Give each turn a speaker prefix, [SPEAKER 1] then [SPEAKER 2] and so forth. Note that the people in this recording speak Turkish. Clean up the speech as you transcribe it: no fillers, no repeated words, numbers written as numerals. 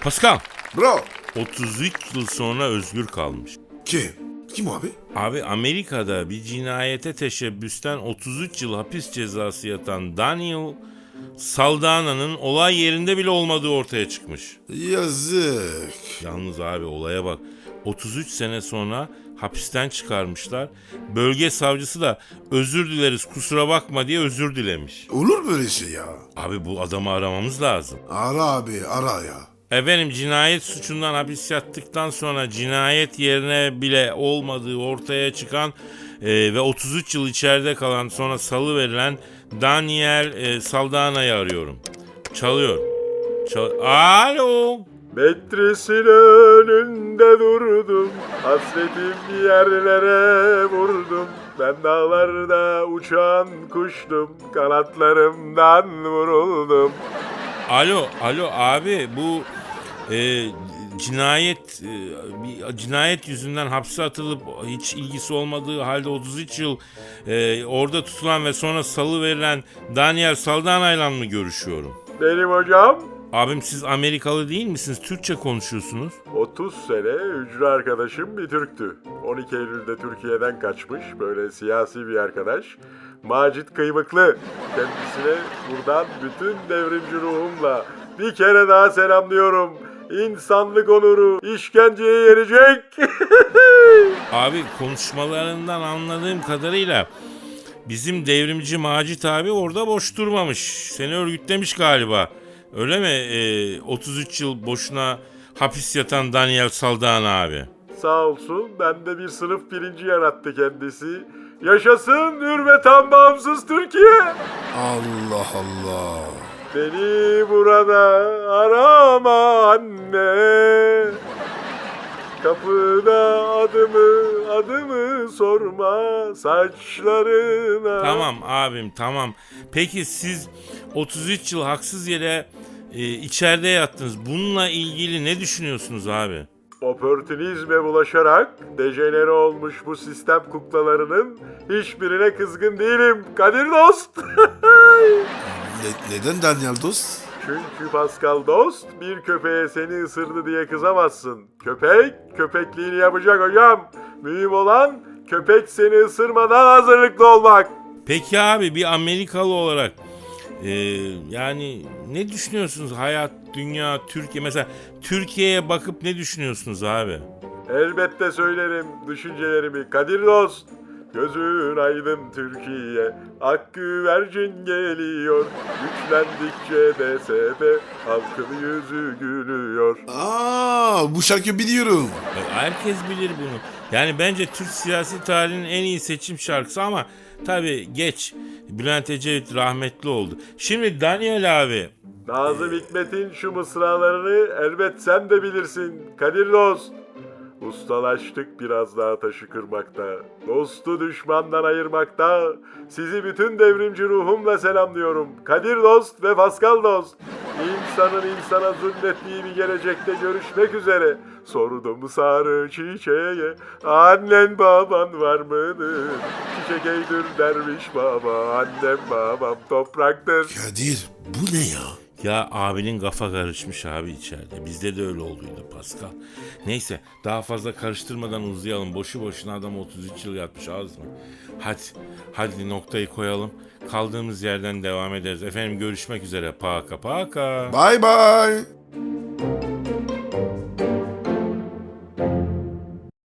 [SPEAKER 1] Pascal,
[SPEAKER 2] Bro.
[SPEAKER 1] 33 yıl sonra özgür kalmış.
[SPEAKER 2] Kim? Kim o abi?
[SPEAKER 1] Abi Amerika'da bir cinayete teşebbüsten 33 yıl hapis cezası yatan Daniel Saldana'nın olay yerinde bile olmadığı ortaya çıkmış.
[SPEAKER 2] Yazık.
[SPEAKER 1] Yalnız abi olaya bak. 33 sene sonra hapisten çıkarmışlar. Bölge savcısı da özür dileriz kusura bakma diye özür dilemiş.
[SPEAKER 2] Olur böyle şey ya.
[SPEAKER 1] Abi bu adamı aramamız lazım.
[SPEAKER 2] Ara abi ara ya.
[SPEAKER 1] Efendim cinayet suçundan hapis yattıktan sonra cinayet yerine bile olmadığı ortaya çıkan ve 33 yıl içeride kalan sonra salı verilen Daniel Saldana'yı arıyorum. Çalıyor. Alo.
[SPEAKER 3] Metresin önünde durdum, hasretim yerlere vurdum. Ben dağlarda uçan kuştum, kanatlarımdan vuruldum.
[SPEAKER 1] Alo abi bu cinayet yüzünden hapse atılıp hiç ilgisi olmadığı halde 33 yıl orada tutulan ve sonra salı verilen Daniel Saldana'yla mı görüşüyorum?
[SPEAKER 3] Benim hocam,
[SPEAKER 1] Abim siz Amerikalı değil misiniz? Türkçe konuşuyorsunuz.
[SPEAKER 3] 30 sene hücre arkadaşım bir Türktü. 12 Eylül'de Türkiye'den kaçmış, böyle siyasi bir arkadaş. Macit Kıymıklı. Kendisine buradan bütün devrimci ruhumla bir kere daha selamlıyorum. İnsanlık onuru işkenceye yerecek.
[SPEAKER 1] Abi konuşmalarından anladığım kadarıyla bizim devrimci Macit abi orada boş durmamış. Seni örgütlemiş galiba. Öyle mi? 33 yıl boşuna hapis yatan Daniel Saldana abi.
[SPEAKER 3] Sağ olsun, bende bir sınıf birinci yarattı kendisi. Yaşasın hürmeten bağımsız Türkiye.
[SPEAKER 2] Allah Allah.
[SPEAKER 3] Beni burada arama anne. Kapıda adımı sorma saçlarına.
[SPEAKER 1] Tamam abim tamam. Peki siz 33 yıl haksız yere içeride yattınız. Bununla ilgili ne düşünüyorsunuz abi?
[SPEAKER 3] Opörtünizme bulaşarak dejenere olmuş bu sistem kuklalarının hiçbirine kızgın değilim Kadir dost.
[SPEAKER 2] Neden Daniel dost?
[SPEAKER 3] Çünkü Pascal dost bir köpeğe seni ısırdı diye kızamazsın. Köpek köpekliğini yapacak hocam. Mühim olan köpek seni ısırmadan hazırlıklı olmak.
[SPEAKER 1] Peki abi bir Amerikalı olarak yani ne düşünüyorsunuz hayat, dünya, Türkiye? Mesela Türkiye'ye bakıp ne düşünüyorsunuz abi?
[SPEAKER 3] Elbette söylerim düşüncelerimi Kadir dost. Gözün aydın Türkiye, ak güvercin geliyor. Güçlendikçe DSP, halkın yüzü gülüyor.
[SPEAKER 2] Bu şarkıyı biliyorum.
[SPEAKER 1] Herkes bilir bunu. Yani bence Türk siyasi tarihinin en iyi seçim şarkısı ama tabii geç. Bülent Ecevit rahmetli oldu. Şimdi Daniel abi.
[SPEAKER 3] Nazım Hikmet'in şu mısralarını elbet sen de bilirsin Kadir dost. Ustalaştık biraz daha taşı kırmakta, dostu düşmandan ayırmakta. Sizi bütün devrimci ruhumla selamlıyorum. Kadir dost ve Pascal dost. İnsanın insana zulmettiği bir gelecekte görüşmek üzere. Sordum sarı çiçeğe, annen baban var mıdır? Çiçek eğdir derviş baba, annem babam topraktır.
[SPEAKER 2] Kadir bu ne ya?
[SPEAKER 1] Ya abinin kafa karışmış abi içeride. Bizde de öyle olduydu Pascal. Neyse daha fazla karıştırmadan uzayalım. Boşu boşuna adam 33 yıl yatmış az mı? Hadi noktayı koyalım. Kaldığımız yerden devam ederiz. Efendim görüşmek üzere. Paka.
[SPEAKER 2] Bye bye.